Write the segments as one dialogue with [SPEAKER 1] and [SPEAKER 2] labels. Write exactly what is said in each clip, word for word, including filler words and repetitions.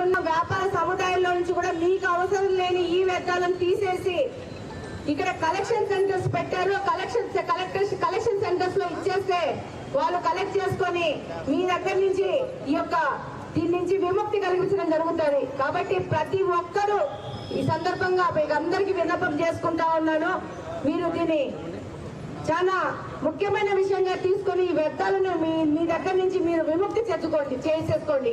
[SPEAKER 1] ఉన్న వ్యాపార సముదాయంలో నుంచి కూడా మీకు అవసరం లేని ఈ వ్యర్థాలను తీసేసి ఇక్కడ కలెక్షన్ సెంటర్స్ పెట్టారు. కలెక్షన్ కలెక్టర్స్ కలెక్షన్ సెంటర్స్ లో ఇచ్చేస్తే వాళ్ళు కలెక్ట్ చేసుకొని మీ దగ్గర నుంచి ఈ యొక్క దీని నుంచి విముక్తి కలిగించడం జరుగుతుంది. కాబట్టి ప్రతి ఒక్కరూ ఈ సందర్భంగా మీకు అందరికీ విన్నపం చేసుకుంటా ఉన్నాను. మీరు దీన్ని చాలా ముఖ్యమైన విషయంగా తీసుకొని ఈ వ్యర్థాలను మీ మీ దగ్గర నుంచి మీరు విముక్తి తెచ్చుకోండి చేసేసుకోండి.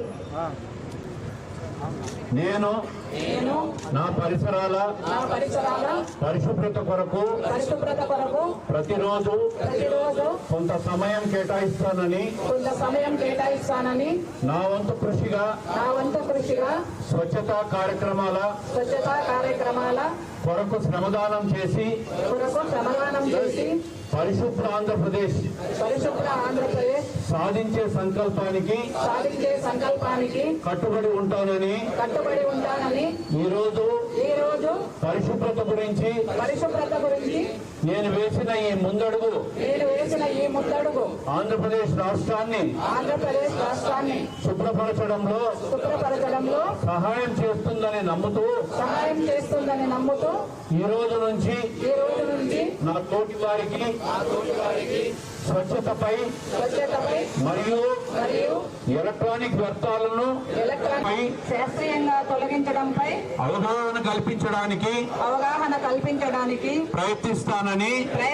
[SPEAKER 2] నేను నా పరిసరాల పరిశుభ్రత కొరకు
[SPEAKER 1] పరిశుభ్రత కొరకు
[SPEAKER 2] ప్రతిరోజు
[SPEAKER 1] ప్రతిరోజు
[SPEAKER 2] కొంత సమయం కేటాయిస్తానని
[SPEAKER 1] కొంత సమయం కేటాయిస్తానని
[SPEAKER 2] నా వంతు కృషిగా
[SPEAKER 1] నా వంతు కృషిగా
[SPEAKER 2] స్వచ్ఛతా కార్యక్రమాల
[SPEAKER 1] స్వచ్ఛతా కార్యక్రమాల
[SPEAKER 2] కొరకు శ్రమదానం చేసి
[SPEAKER 1] కొరకు శ్రమదానం చేసి
[SPEAKER 2] పరిశుభ్ర ఆంధ్రప్రదేశ్
[SPEAKER 1] పరిశుభ్ర ఆంధ్రప్రదేశ్
[SPEAKER 2] సాధించే సంకల్పానికి
[SPEAKER 1] సాధించే సంకల్పానికి
[SPEAKER 2] కట్టుబడి ఉంటానని
[SPEAKER 1] కట్టుబడి ఉంటానని
[SPEAKER 2] ఈ రోజు
[SPEAKER 1] ఈ రోజు
[SPEAKER 2] పరిశుభ్రత గురించి
[SPEAKER 1] పరిశుభ్రత గురించి
[SPEAKER 2] నేను వేసిన ఈ ముందడుగు
[SPEAKER 1] నేను వేసిన ఈ ముందడుగు
[SPEAKER 2] ఆంధ్రప్రదేశ్ రాష్ట్రాన్ని
[SPEAKER 1] ఆంధ్రప్రదేశ్ రాష్ట్రాన్ని
[SPEAKER 2] శుభ్రపరచడంలో
[SPEAKER 1] శుభ్రపరచడంలో
[SPEAKER 2] సహాయం చేస్తుందని నమ్ముతూ
[SPEAKER 1] సహాయం చేస్తుందని నమ్ముతూ
[SPEAKER 2] ఈ రోజు నుంచి
[SPEAKER 1] ఈ రోజు నుంచి
[SPEAKER 2] నా తోటి వారికి స్వచ్ఛతపై
[SPEAKER 1] స్వచ్ఛతపై
[SPEAKER 2] మరియు
[SPEAKER 1] మరియు
[SPEAKER 2] ఎలక్ట్రానిక్ వ్యర్థాలను
[SPEAKER 1] ఎలక్ట్రానిక్ శాస్త్రీయంగా తొలగించడంపై
[SPEAKER 2] అవగాహన కల్పించడానికి
[SPEAKER 1] అవగాహన కల్పించడానికి
[SPEAKER 2] ప్రయత్నిస్తానని